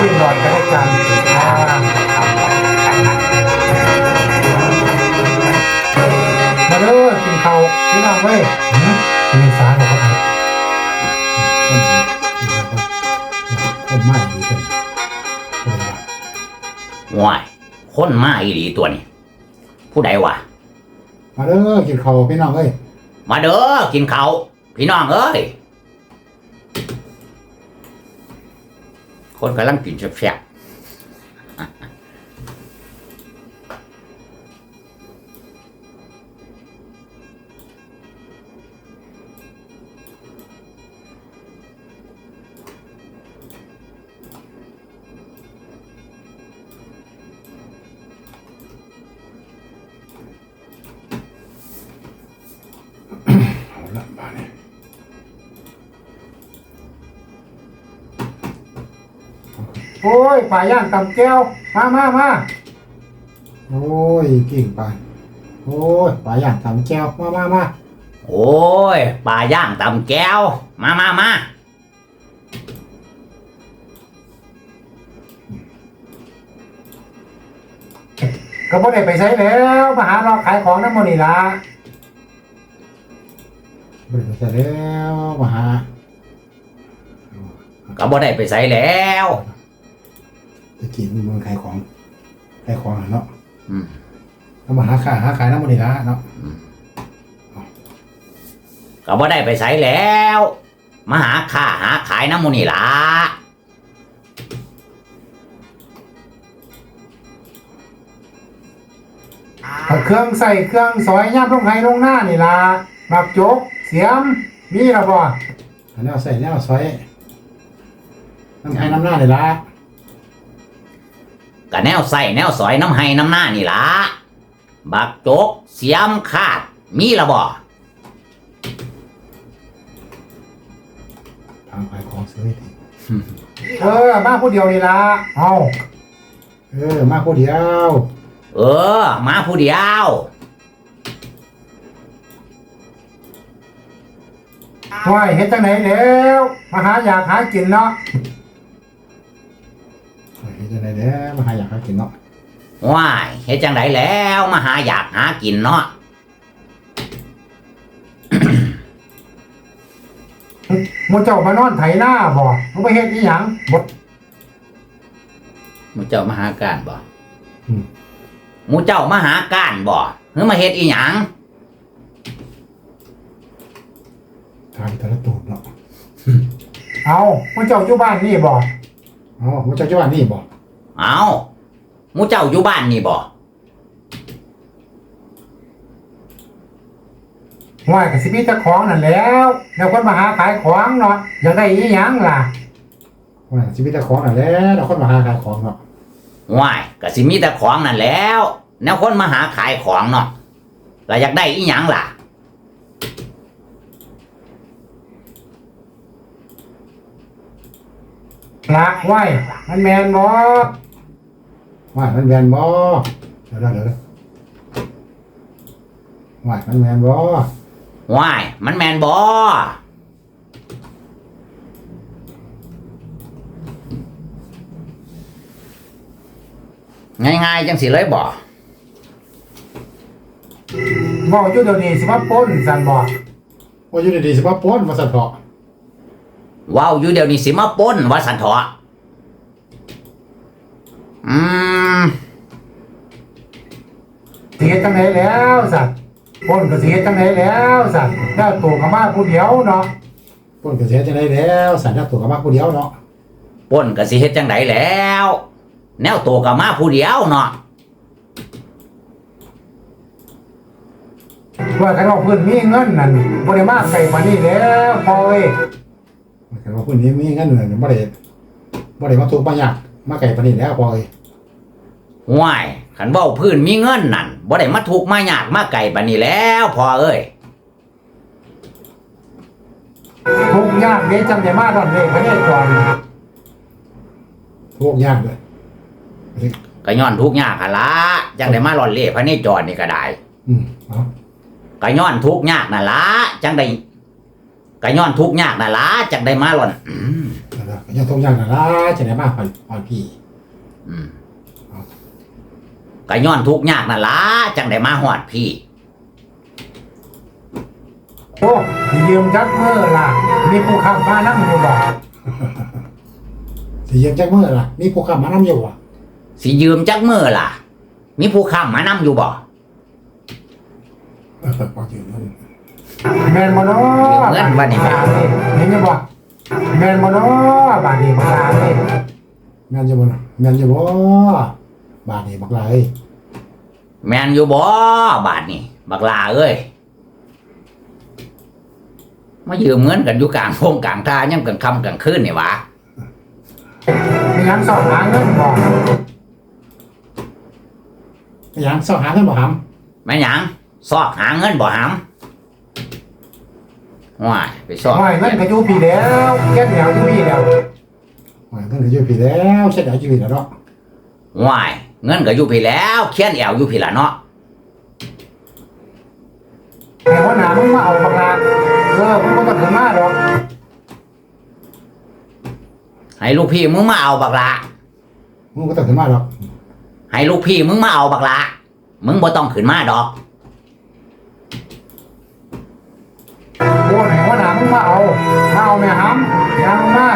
นหลอดก็ได้กันมาเด้อกินข้าวพี่น้องเว้ยกินสารของเขาคนมากดีเลยว้ายคนมาอีหลีตัวนี้ผู้ใดวะมาเด้อกินข้าวพี่น้องเว้ยมาเด้อกินข้าวพี่น้องเอ้ยคนกำลังกินแซ่บโอ้ยปลาย่างตำแก้วมาโอ้ยกิ่งปลาโอ้ยปลาย่างตำแก้วมาโอ้ยปลาย่างตำแก้วมาก็บ่ได้ไปใช้แล้วมาหาเราขายของน้ำมันนี่ละบ่ได้ไปใช้แล้วมาหาก็บ่ได้ไปใส่แล้วจะกินมันขายของเนาะแล้วมาหาขายน้ำมันนี่ละเนาะก็บ่ได้ไปใส่แล้วมาหาขายน้ำมูนี่ล่ะเครื่องใส่เครื่องซอยย่ำลงไห้ลงหน้านี่ละบักจกเสียมมีแล้วบ่แนวใส่แนวซอยน้ำไห้น้ำหน้านี่ละก็แนวใส่แนวสอยน้ำไห้น้ำหน้านี่ล่ะบักจกเสียมขาดมีละบ่ทางขายของซื้อทีมาผู้เดียวนี่ละเอามาผู้เดียวมาผู้เดียวว้ายเฮ็ดจังไหนแล้วมาหาอยากหากินเนาะเฮ็ดจังไหนแล้วมาหาอยากหากินเนาะว้ายเฮ็ดจังไดแล้วมาหาอยากหากินเนาะหมู่เจ้ามานอนไถหน้าบ่มึงไปเฮ็ดอีหยังบ่หมู่เจ้ามาหาการบ่หมู่เจ้ามาหาการบ่หรือมาเฮ็ดอีหยังทางแต่ละตูดเนาะเอาหมู่เจ้าอยู่บ้านนี่บ่หมู่เจ้าอยู่บ้านนี่บ่เอาหมู่เจ้าอยู่บ้านนี่บ่ว่าก็สิมีแต่ของนั่นแล้วแล้วคนมาหาขายของเนาะอยากได้อีหยังล่ะว่าสิมีแต่ของนั่นแหละแล้วคนมาหาขายของเนาะว้ายก็สิมีแต่ของนั่นแล้วแนวคนมาหาขายของเนาะแล้วอยากได้อีหยังล่ะละไหวมันแมนบ่ไหวมันแมนบ่เดี๋ยวไหวมันแมนบ่ว้ายมันแมนบ่ง่ายๆจังสิเลยบ่บอกอยู่เดี๋ยวนี้สิว่าป้นสั่นบ่ว่าอยู่เดี๋ยวนี้สิว่าป้นว่าสั่นเถาะว้าวอยู่เดี๋ยวนี้สิมาป้นว่าสันเถาะสิเฮ็ดจังไดแล้วสั่นป้นก็สิเฮ็ดจังไดแล้วสั่นแล้วตัวก็มาผู้เดียวเนาะป้นก็สิเฮ็ดจังไดแล้วสั่นแล้วตัวก็มาผู้เดียวเนาะป้นก็สิเฮ็ดจังไดแล้วแนวตัวก็มาผู้เดียวเนาะว่าคันว่าเพิ่นมีเงินนั่นบ่ได้มาไกลปานนี้แล้วพอเว้ยว่าคันว่าเพิ่นมีเงินนั่นบ่ได้มาทุกข์มายากมาไกลปานนี้แล้วพอเว้ยว้ายคันเว้าพื้นมีเงินนั่นบ่ได้มาทุกข์มายากมาไกลปานนี้แล้วพอเอ้ยทุกข์ยากเด้จำได้มาตอนนี้พระเนตรทุกข์ยากเลยก็ย้อนทุกข์ยากหั่นล่ะจังได้มาหล่อนเล่พระเนจรนี่ก็ได้ก็ย้อนทุกข์ยากนั่นล่ะจังได้ก็ย้อนทุกข์ยากนั่นล่ะจังได้มาหล่อนแล้วยังทุกอย่างนั่นล่ะจะได้มาพอนพี่อืมก็ย้อนทุกข์ยากนั่นล่ะจังได้มาฮอดพี่โอ้ยืมจักมือล่ะมีผู้ขับมานั่งอยู่บ่สิยืมจักมือล่ะมีผู้ขับมานั่งอยู่บ่สิยืมจักมื้อล่ะ มีผู้ค้ำมานำอยู่บ่พอยืมเงินแม่นบ่เนาะเงินบัดนี้เห็นยังบ่แม่นบ่เนาะบาดนี้บักลาเอ้ยแม่นอยู่บ่แม่นอยู่บ่บาดนี้บักลาเอ้ยแม่นอยู่บ่บาดนี้บักลาเอ้ยมายืมเงินกันอยู่กลางโพงกลางทางยังกลางค่ำกลางคืนนี่หวะมีหยังสอบหาเงินบ่มีหยังสอบหาเงินบ่หำแม่นหยังซอกหาเงินบ่หำว้ายไปซอกโอ้ยเงินก็อยู่พี่แล้วแก้แนวอยู่พี่แล้วโอ้ยเงินก็อยู่พี่แล้วเช็ดเอาอยู่พี่แล้วเนาะว้ายเงินก็อยู่พี่แล้วเขียนแอวอยู่พี่ละเนาะแต่ว่าหนามึงมาเอาบักลามึงบ่ต้องถึงมาดอกให้ลูกพี่มึงมาเอาบักละมึงบ่ต้องถึงมาดอกให้ลูกพี่มึงมาเอาบักละมึงบ่ต้องขึ้นมาดอกโอ้ยว่าหนามึงมาเอาแม่หำยังมา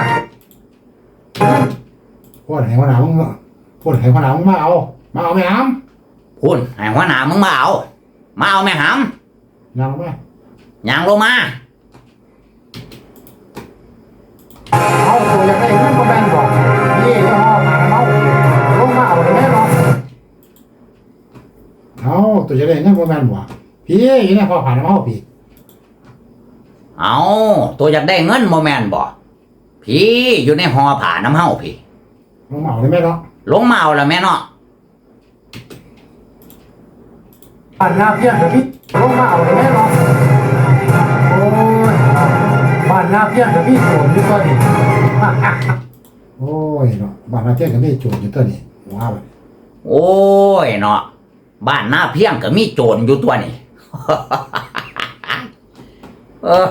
พูดให้ว่าหนามึงมาพูดให้ว่าหนามึงมาเอาแม่หำพุ่นให้หัวหน้ามึงมาเอาแม่หยังมาำย่างลงมาเอาตัวอยากได้เงินบ่แม่นบอกนี่เนาะมาเมาลงมาเอาได้แม่เนาะเอาตัวจะได้เงินบ่แม่นบ่พี่อยู่ในพอผ่านเมาพี่เอาตัวอยากได้เงินโมแมนบ่พี่อยู่ในหอผ่าน้ำเฮาพี่ลงมาเอาได้แม่เนาะลงมาเอาละแม่เนาะผ่านหน้าเพี้ยนกับพี่ลงมาเอาได้แม่เนาะโอ้ยบ้านหน้าเพี้ยนกับพี่โสมอยู่ตัวนี้โอ้ยเนาะบ้านหน้าเพี้ยนกับพี่โจรอยู่ตัวนี้ว้าวโอ้ยเนาะบ้านหน้าเพียงก็มีโจรอยู่ตัวนี่ เออ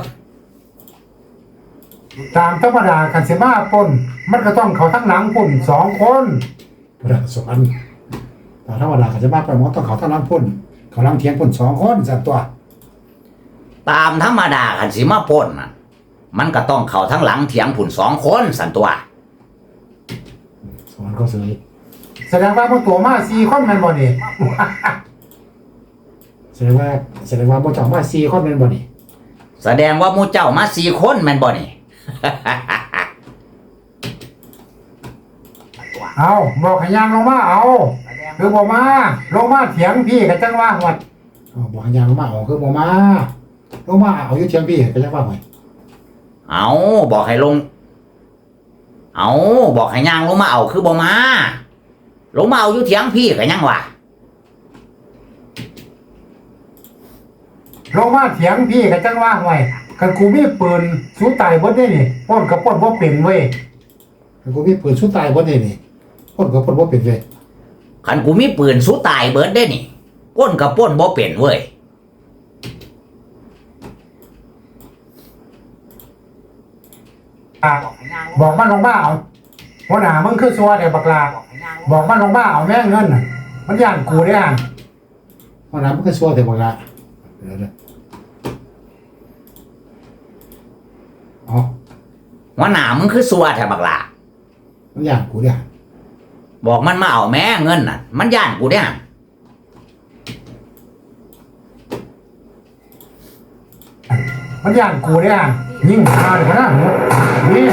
ตามธรรมดาคันสิมาปล้นมันก็ต้องเขาทั้งหลังพุ่น2 คนพระสวรรค์แต่ธรรมดาคันสิมาปล้นมันต้องเขาทั้งหลังพุ่นเขาหลังเทียงพุ่น2 คนสั่นตัวตามธรรมดาคันสิมาปล้นน่ะมันก็ต้องเข้าทั้งหลังเถียงผุ่น2 คนสันตัวสวรรค์ก็เสยแสดงว่าพวกตัวมา4 คนแม่นบ่นี่ แสดงว่าบ่เจ้ามา4 คนแม่นบ่นี่แสดงว่าหมู่เจ้ามา4 คนแม่นบ่นี่เอาบอกให้ย่างลงมาเอาคือบ่มาลงมาเถียงพี่ก็จังว่าหวดบอกให้ย่างลงมาเอาคือบ่มาลงมาเอาอยู่เถียงพี่ก็จังว่าหวดเอาบอกให้ลง เอาบอกให้ย่างลงมาเอาคือบ่มาลงมาเอาอยู่เถียงพี่ก็ยังวะลงมาเถียงพี่ก็จังว่าหวยคันกูมีปืนสู้ตายเบิดได้นี่ปล้นก็ปล้นบ่เป็นเว้ยคันกูมีปืนสู้ตายเบิดได้นี่ปล้นก็ปล้นบ่เป็นเว้ยคันกูมีปืนสู้ตายเบิดได้นี่ปล้นกับปล้นบ่เป็นเว้ยบอกมันลงมาเอาหัวหน้ามึงคือซัวแต่บักลาบอกมันลงมาเอาแม่เงินน่ะมันย่านกูได้อ่ะหัวหน้ามึงคือซัวแต่บักลาเดี๋ยวอ๋อหัวหน้ามึงคือสัวแท้บักล่ะมันย่านกูได้อ่ะบอกมันมาเอาแม่เงินน่ะ มันย่านกูได้หั่นมันย่านกูได้อ่ะยิ่งมาเลยนะนี่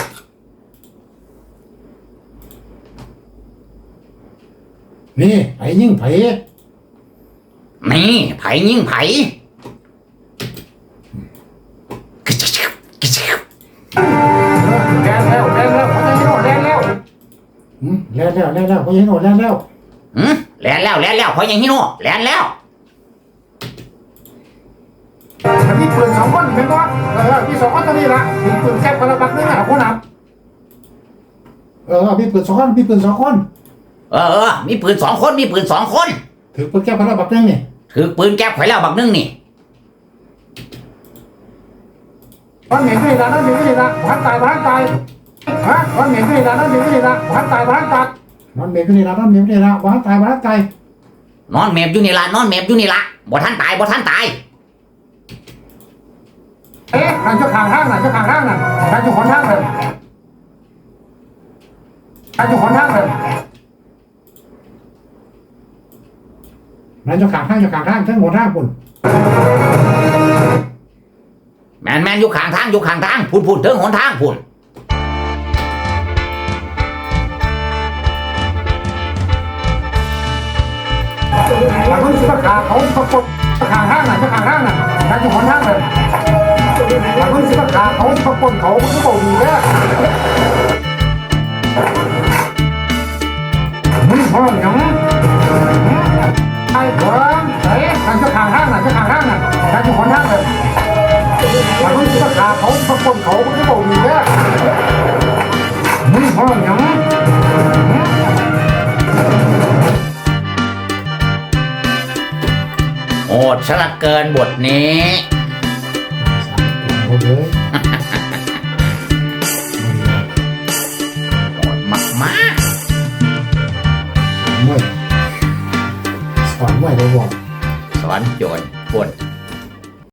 นี่ไผยิ่งไผนี่ไผยิงไผแล้วเขาจะให้โหดแล้วเขาจะให้โหดแล้วหืมแล่นแล้วเพราะยังฮิโน่แล่นแล้วมันมีปืน2 คนเป็นวะมี2 คนตัวนี้ละมีปืนแคบคนละบักนึงอ่ะคนนับมีปืน2 คนมีปืน2 คนเออมีปืน2 คนถือปืนแคบคนละบักนึงนี่ถือปืนแก๊ปไว้แล้วบักนึงนี่มันเหม็นด้วยนะพันตายฮะนอนเหม็นไม่ได้นอนเหม็นไม่ได้บ้านตายบ้านตัดนอนเหม็นไม่ได้นอนเหม็นไม่ได้บ้านตายบ้านตายนอนเมบอยู่นี่ละนอนเมบอยู่นี่ละบ่ท่านตายบ่ท่านตายนั่นเจ้าข้างห้างนั่นเจ้าข้างห้างนั่นนั่นอยู่คนห้างนั่นนั่นอยู่คนห้างนั่นนั่นเจ้าข้างห้างเจ้าข้างห้างทั้งหมดห้างคุณแมนอยู่ข้างทางอยู่ข้างทางพุ่นเถิงหนทางพุ่นนั่นคนสิบขาเขาประกบข้างห้างนั่นเจ้าข้างห้างนั่นนั่นอยู่คนห้างนั่นนั่นคนสิบขาเขาประกบเขามันก็บอกดีแล้มึงพ่อหยังไอ้หัวไอ้นั่นเจ้าข้างห้างนั่นเจ้าข้างห้างนั่นนั่นอยู่คนห้างนั่นนั่นคนสิบขาเขาประกบเขามันก็บอกดีแล้วมึงพ่อหยังโอดซะเหละเกินบทนี้โอเคโอดมากไม่สอนไม่ได้บอกๆสอนโจรพุ่น